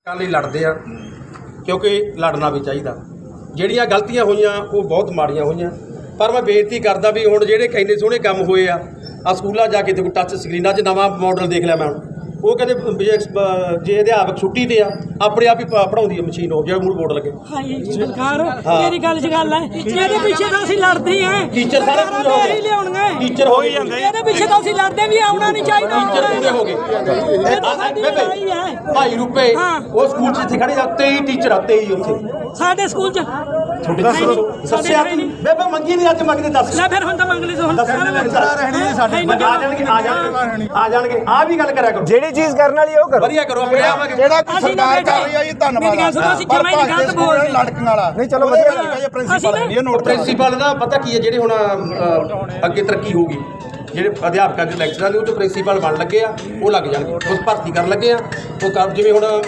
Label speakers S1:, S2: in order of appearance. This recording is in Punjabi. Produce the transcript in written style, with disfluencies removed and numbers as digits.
S1: ਲਈ ਲੜਦੇ ਆ ਕਿਉਂਕਿ ਲੜਨਾ ਵੀ ਚਾਹੀਦਾ। ਜਿਹੜੀਆਂ ਗਲਤੀਆਂ ਹੋਈਆਂ ਉਹ ਬਹੁਤ ਮਾੜੀਆਂ ਹੋਈਆਂ, ਪਰ ਮੈਂ ਬੇਨਤੀ ਕਰਦਾ ਵੀ ਹੁਣ ਜਿਹੜੇ ਇੰਨੇ ਸੋਹਣੇ ਕੰਮ ਹੋਏ ਆ ਸਕੂਲਾਂ ਜਾ ਕੇ ਦੇਖੋ ਟੱਚ ਸਕਰੀਨਾਂ 'ਚ ਨਵਾਂ ਮਾਡਲ ਦੇਖ ਲਿਆ ਮੈਂ ਹੁਣ। ਉਹ ਕਹਿੰਦੇ ਜੇ ਅਧਿਆਪਕ ਛੁੱਟੀ ਤੇ ਆ ਆਪਣੇ ਆਪ ਹੀ ਪੜ੍ਹਾਉਂਦੀ ਹੈ ਮਸ਼ੀਨ, ਉਹ ਜਿਹੜਾ ਮੂਡ ਬੋਰਡ ਲੱਗੇ।
S2: ਸਰਕਾਰ ਤੇਰੀ ਗੱਲ 'ਚ ਗੱਲ ਹੈ, ਇਹਦੇ ਪਿੱਛੇ ਤਾਂ ਅਸੀਂ ਲੜਦੇ ਹਾਂ।
S1: ਟੀਚਰ ਸਾਰੇ ਪੂਰੇ ਹੋ ਗਏ,
S2: ਲਿਆਉਣਗੇ
S1: ਟੀਚਰ ਹੋ ਹੀ ਜਾਂਦੇ।
S2: ਇਹਦੇ ਪਿੱਛੇ ਤਾਂ ਅਸੀਂ ਲੜਦੇ ਵੀ ਆਉਣਾ ਨਹੀਂ ਚਾਹੀਦਾ।
S1: ਟੀਚਰ ਪੂਰੇ ਹੋ ਗਏ। 2.5 ਰੁਪਏ ਉਹ ਸਕੂਲ 'ਚ ਇੱਥੇ ਖੜੇ ਆ 23 ਟੀਚਰ ਆ 23 ਉੱਥੇ
S2: ਸਾਡੇ ਸਕੂਲ 'ਚ
S1: ਦੱਸਿਆ ਤੂੰ ਬੇਬੇ ਮੰਗੀ ਨਹੀਂ ਅੱਜ ਮੰਗਦੇ ਦੱਸ
S2: ਲੈ ਫਿਰ ਹੁਣ ਤਾਂ ਮੰਗ ਲਈ ਹੁਣ
S1: ਆ ਜਾਣਗੇ ਆ ਵੀ ਗੱਲ ਕਰਿਆ ਕਰੋ,
S3: ਜਿਹੜੀ ਚੀਜ਼ ਕਰਨ ਵਾਲੀ ਉਹ ਕਰੋ,
S1: ਵਧੀਆ ਕਰੋ ਆਪਣੇ ਆਵਾਂਗੇ।
S4: ਜਿਹੜਾ ਸਰਕਾਰ ਕਰ ਰਹੀ ਹੈ ਜੀ ਧੰਨਵਾਦ ਲੜਕਣ ਵਾਲਾ
S3: ਨਹੀਂ ਚਲੋ ਵਧੀਆ
S1: ਪ੍ਰਿੰਸੀਪਲ ਦਾ ਪਤਾ ਕੀ ਹੈ, ਜਿਹੜੇ ਹੁਣ ਅੱਗੇ ਤਰੱਕੀ ਹੋਊਗੀ, ਜਿਹੜੇ ਅਧਿਆਪਕਾਂ ਦੇ ਲੈਕਚਰਾਂ ਨੇ ਉਹ 'ਚ ਪ੍ਰਿੰਸੀਪਲ ਬਣ ਲੱਗੇ ਆ ਉਹ ਲੱਗ ਜਾਣਗੇ, ਉਸ ਭਰਤੀ ਕਰਨ ਲੱਗੇ ਆ ਉਹ ਜਿਵੇਂ ਹੁਣ